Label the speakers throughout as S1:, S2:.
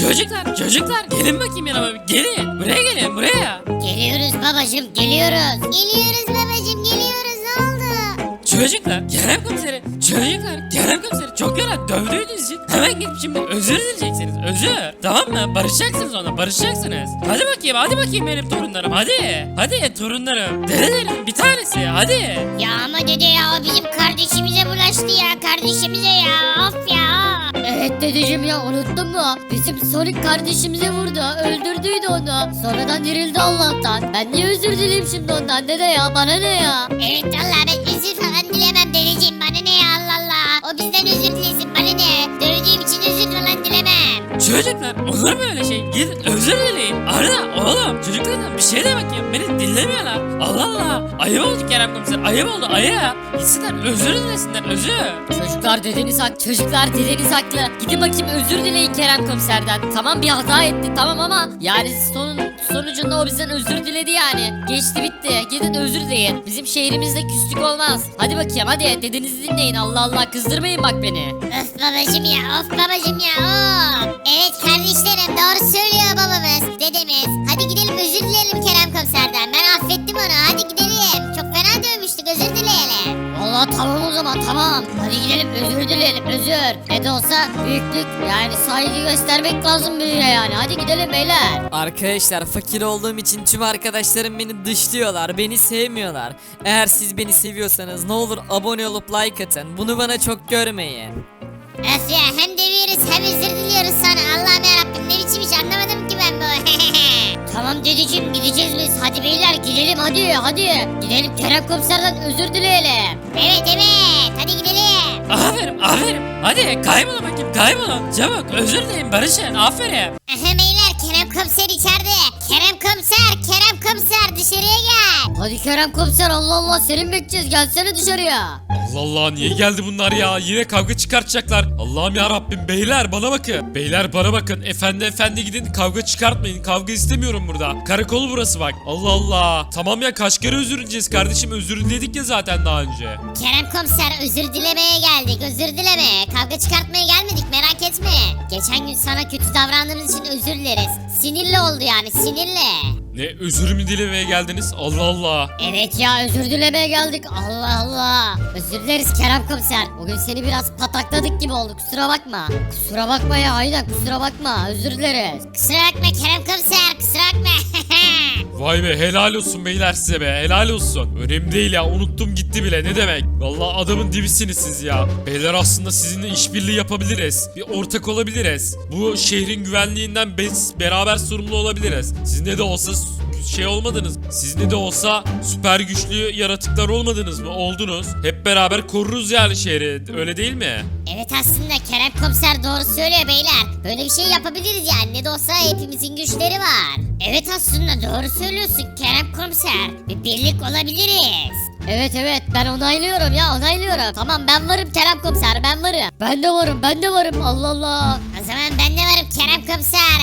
S1: Çocuklar gelin bakayım yanıma. Gelin. Buraya gelin buraya.
S2: Geliyoruz babacım geliyoruz. Geliyoruz babacım geliyoruz ne oldu?
S1: Çocuklar Kerem komiseri çok yola dövdüğünüz için hemen gidip şimdi özür dileyeceksiniz. Özür. Tamam mı? Barışacaksınız onunla barışacaksınız. Hadi bakayım benim torunlarım hadi torunlarım. Dedelerim bir tanesi hadi.
S2: Ya ama dede ya o bizim kardeşimize bulaştı ya kardeşimize ya of ya. Evet dedeciğim ya unuttun mu? Bizim Sonic kardeşimize vurdu öldürdüydü onu. Sonradan dirildi Allah'tan. Ben niye özür dileyim şimdi ondan dede ya bana ne ya? Evet vallahi ben özür falan dilemem dedeciğim bana ne ya Allah Allah. O bizden özür dilesin bana ne? Dövdüğüm için özür falan dilemem.
S1: Çocuklar olur mu öyle şey? Gidin özür dileyin. Arda oğlum çocuklardan bir şey de bakayım. Beni dinlemiyorlar. Allah Allah. Ayıp oldu Kerem komiser. Ayıp oldu ayıp. Gitsinler özür dilesinler özür.
S3: Çocuklar dedeniz haklı. Gidin bakayım özür dileyin Kerem komiserden. Tamam bir hata etti tamam ama yani sonucunda o bizden özür diledi yani. Geçti bitti. Gidin özür dileyin. Bizim şehrimizde küslük olmaz. Hadi bakayım hadi dedenizi dinleyin. Allah Allah kızdırmayın bak beni.
S2: Of babacım ya of babacım ya of. Evet kardeşlerim doğru söylüyor babamız dedemiz. Hadi gidelim özür dileyelim Kerem komiserden. Ben affettim onu hadi gidelim. Çok fena dövmüştük özür dileyelim.
S3: Vallahi tamam o zaman tamam. Hadi gidelim özür dileyelim özür. Ne de olsa büyüklük yani saygı göstermek lazım büyüğe yani. Hadi gidelim beyler.
S4: Arkadaşlar fakir olduğum için tüm arkadaşlarım beni dışlıyorlar, beni sevmiyorlar. Eğer siz beni seviyorsanız ne olur abone olup like atın. Bunu bana çok görmeyin.
S2: Öf ya hem dövüyoruz hem özür diliyoruz sana. Allah'ım yarabbim ne biçim iş anlamadım ki ben bu.
S3: Tamam dedeciğim gideceğiz biz. Hadi beyler gidelim hadi. Gidelim Kerem komiserden özür dileyelim.
S2: Evet hadi gidelim.
S1: Aferin. Hadi kaybolun. Çabuk özür dileyin barışın. Aferin.
S2: Aha beyler Kerem komiser içeride. Kerem komiser dışarıya gel.
S3: Hadi Kerem komiser Allah Allah seni mi bekleyeceğiz gelsene dışarıya.
S5: Allah Allah niye geldi bunlar ya? Yine kavga çıkartacaklar. Allah'ım ya Rabbim beyler bana bakın. Beyler bana bakın. Efendi gidin kavga çıkartmayın. Kavga istemiyorum burada. Karakol burası bak. Allah Allah. Tamam ya kaç kere özür dileyeceğiz kardeşim. Özür diledik ya zaten daha önce.
S2: Kerem komiser özür dilemeye geldik. Özür dileme. Kavga çıkartmaya gelmedik merak etme. Geçen gün sana kötü davrandığımız için özür dileriz. Sinirli oldu yani sinirli.
S5: Ne özür mü dilemeye geldiniz? Allah Allah.
S3: Evet ya özür dilemeye geldik Allah Allah. Özür dileriz Kerem komiser. Bugün seni biraz patakladık gibi oldu kusura bakma. Kusura bakma ya aynen kusura bakma özür dileriz.
S2: Kusura bakma Kerem komiser kusura bakma.
S5: Vay be helal olsun beyler size be helal olsun. Önemli değil ya unuttum gitti bile ne demek. Vallahi adamın dibisiniz siz ya. Beyler aslında sizinle işbirliği yapabiliriz. Bir ortak olabiliriz. Bu şehrin güvenliğinden biz beraber sorumlu olabiliriz. Siz ne de olsa şey olmadınız. Siz ne de olsa süper güçlü yaratıklar olmadınız mı? Oldunuz. Hep beraber koruruz yani şehri. Öyle değil mi?
S2: Evet aslında Kerem komiser doğru söylüyor beyler. Böyle bir şey yapabiliriz yani ne de olsa hepimizin güçleri var. Evet aslında doğru söylüyorsun Kerem komiser. Bir birlik olabiliriz.
S3: Evet ben onaylıyorum ya onaylıyorum. Tamam ben varım Kerem komiser ben varım. Ben de varım Allah Allah.
S2: O zaman ben de varım Kerem komiser.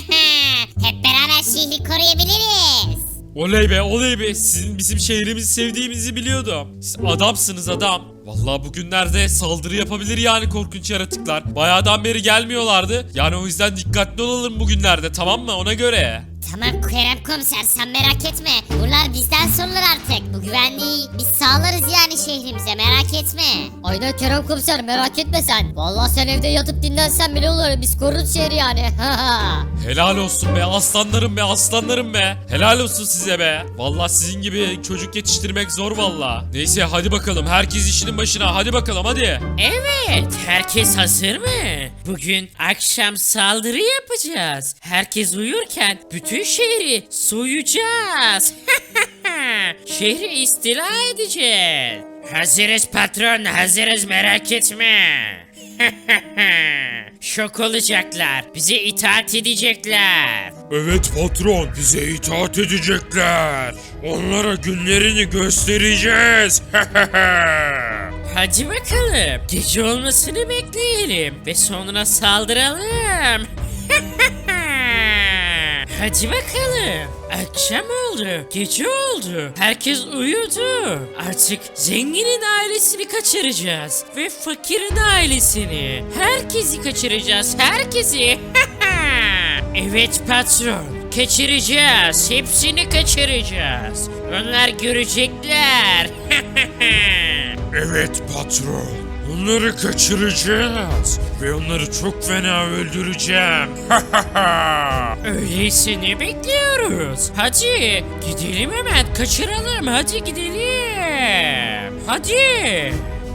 S2: Hep beraber şehri koruyabiliriz.
S5: Oley be sizin bizim şehrimizi sevdiğimizi biliyordum. Siz adamsınız adam. Vallahi bugünlerde saldırı yapabilir yani korkunç yaratıklar. Bayağıdan beri gelmiyorlardı. Yani o yüzden dikkatli olalım bugünlerde tamam mı ona göre.
S2: Tamam Kerem komiser sen merak etme. Buralar bizden sorulur artık. Bu güvenliği biz sağlarız yani şehrimize merak etme.
S3: Aynen Kerem komiser merak etme sen. Vallahi sen evde yatıp dinlensen bile olur biz koruruz şehri yani.
S5: Helal olsun be aslanlarım be. Helal olsun size be. Vallahi sizin gibi çocuk yetiştirmek zor vallahi. Neyse hadi bakalım herkes işinin başına hadi bakalım hadi.
S1: Evet, herkes hazır mı? Bugün akşam saldırı yapacağız. Herkes uyurken bütün şehri soyacağız. Şehri istila edeceğiz. Hazırız patron, hazırız merak etme. Şok olacaklar. Bize itaat edecekler.
S5: Evet patron bize itaat edecekler. Onlara günlerini göstereceğiz.
S1: Hadi bakalım. Gece olmasını bekleyelim ve sonra saldıralım. Hadi bakalım. Akşam oldu, gece oldu. Herkes uyudu. Artık zenginin ailesini kaçıracağız ve fakirin ailesini. Herkesi kaçıracağız, herkesi. Evet patron, kaçıracağız. Hepsini kaçıracağız. Onlar görecekler.
S5: Evet patron. Onları kaçıracağız. Ve onları çok fena öldüreceğim.
S1: Öyleyse ne bekliyoruz? Hadi gidelim hemen kaçıralım. Hadi gidelim. Hadi.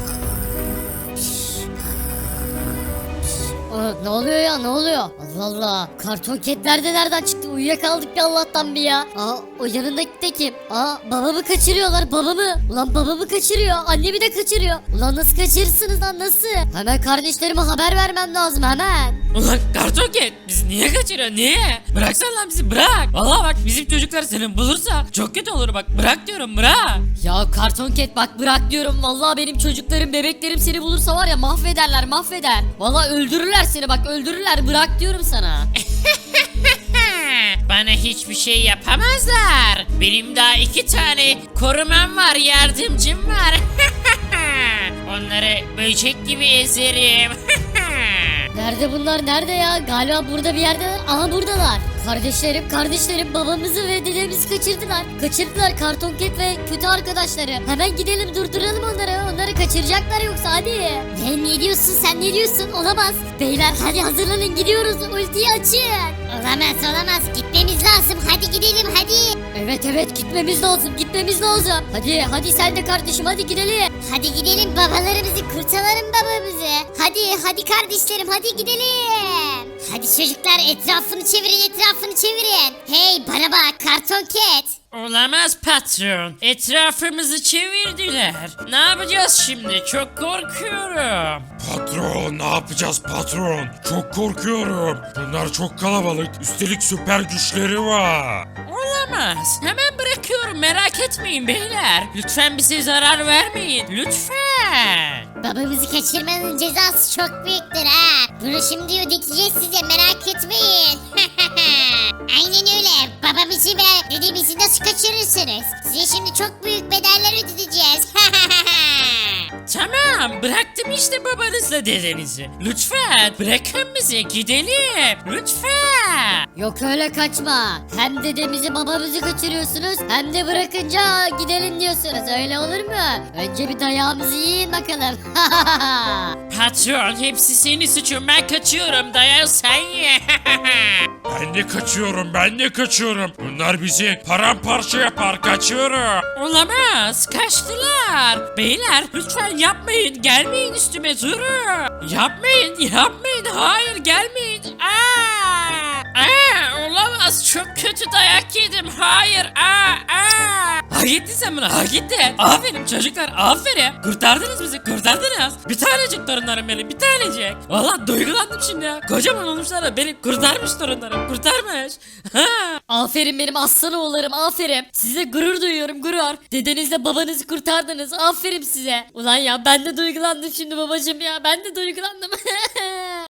S2: Ne oluyor ya ne oluyor? Allah Allah. Karton ketler de nereden çıktı? Uyuyakaldık ya Allah'tan bir ya. O yanındaki de kim? Babamı kaçırıyorlar babamı. Ulan babamı kaçırıyor. Annemi de kaçırıyor. Ulan nasıl kaçırırsınız lan nasıl? Hemen kardeşlerime haber vermem lazım hemen.
S1: Ulan kartoket biz niye kaçırıyorsun niye? Bıraksana lan bizi bırak. Vallahi bak bizim çocuklar seni bulursa çok kötü olur bak bırak diyorum bırak.
S3: Ya karton ket bak bırak diyorum. Vallahi benim çocuklarım bebeklerim seni bulursa var ya mahvederler mahveder. Vallahi öldürürler seni bak öldürürler bırak diyorum sana.
S1: Bana hiçbir şey yapamazlar. Benim daha 2 tane korumam var yardımcım var. Onları böcek gibi ezerim.
S2: Nerede bunlar nerede ya? Galiba burada bir yerdeler. Aha buradalar. Kardeşlerim babamızı ve dedemizi kaçırdılar. Kaçırdılar kartonket ve kötü arkadaşları. Hemen gidelim durduralım onları. Onları kaçıracaklar yoksa hadi. Ne diyorsun sen ne diyorsun? Olamaz. Beyler hadi hazırlanın gidiyoruz. Ultiyi açın. Olamaz gitmemiz lazım. Hadi gidelim hadi. Evet gitmemiz lazım. Hadi sen de kardeşim hadi gidelim. Hadi gidelim babalarımızı kurtaralım babamızı. Hadi kardeşlerim hadi gidelim. Hadi çocuklar etrafını çevirin. Hey bana bak karton ket.
S1: Olamaz patron. Etrafımızı çevirdiler. Ne yapacağız şimdi? Çok korkuyorum.
S5: Patron ne yapacağız patron? Çok korkuyorum. Bunlar çok kalabalık. Üstelik süper güçleri var.
S1: Olamaz. Hemen bırakıyorum. Merak etmeyin beyler. Lütfen bize zarar vermeyin. Lütfen.
S2: Babamızı kaçırmanın cezası çok büyüktür ha. Bunu şimdi ödeteceğiz size merak etmeyin. Aynen öyle. Babamızı ve dedemizi nasıl kaçırırsınız? Size şimdi çok büyük bedeller ödeteceğiz.
S1: Tamam. Bıraktım işte babanızla dedenizi. Lütfen. Bırakın bizi. Gidelim. Lütfen.
S2: Yok öyle kaçma. Hem dedemizi babamızı kaçırıyorsunuz hem de bırakınca gidelim diyorsunuz. Öyle olur mu? Önce bir dayağımızı yiyin bakalım.
S1: Patron hepsi senin suçun. Ben kaçıyorum. Dayan sen ye.
S5: Ben de kaçıyorum. Bunlar bizi paramparça yapar. Kaçıyorum.
S1: Olamaz. Kaçtılar. Beyler lütfen yapmayın. Gelmeyin üstüme durun. Yapmayın. Hayır gelmeyin. Olamaz. Çok kötü dayak yedim. Hayır. Hak ettin sen bunu. Hak ettin. Aferin çocuklar. Aferin. Kurtardınız bizi. Kurtardınız. Bir tanecik torunlarım benim. Bir tanecik. Valla duygulandım şimdi ya. Kocaman olmuşlar da beni kurtarmış torunlarım. Kurtarmış.
S3: Aferin benim aslan oğullarım aferin. Size gurur duyuyorum gurur. Dedenizle babanızı kurtardınız aferin size. Ulan ya ben de duygulandım şimdi babacım ya ben de duygulandım.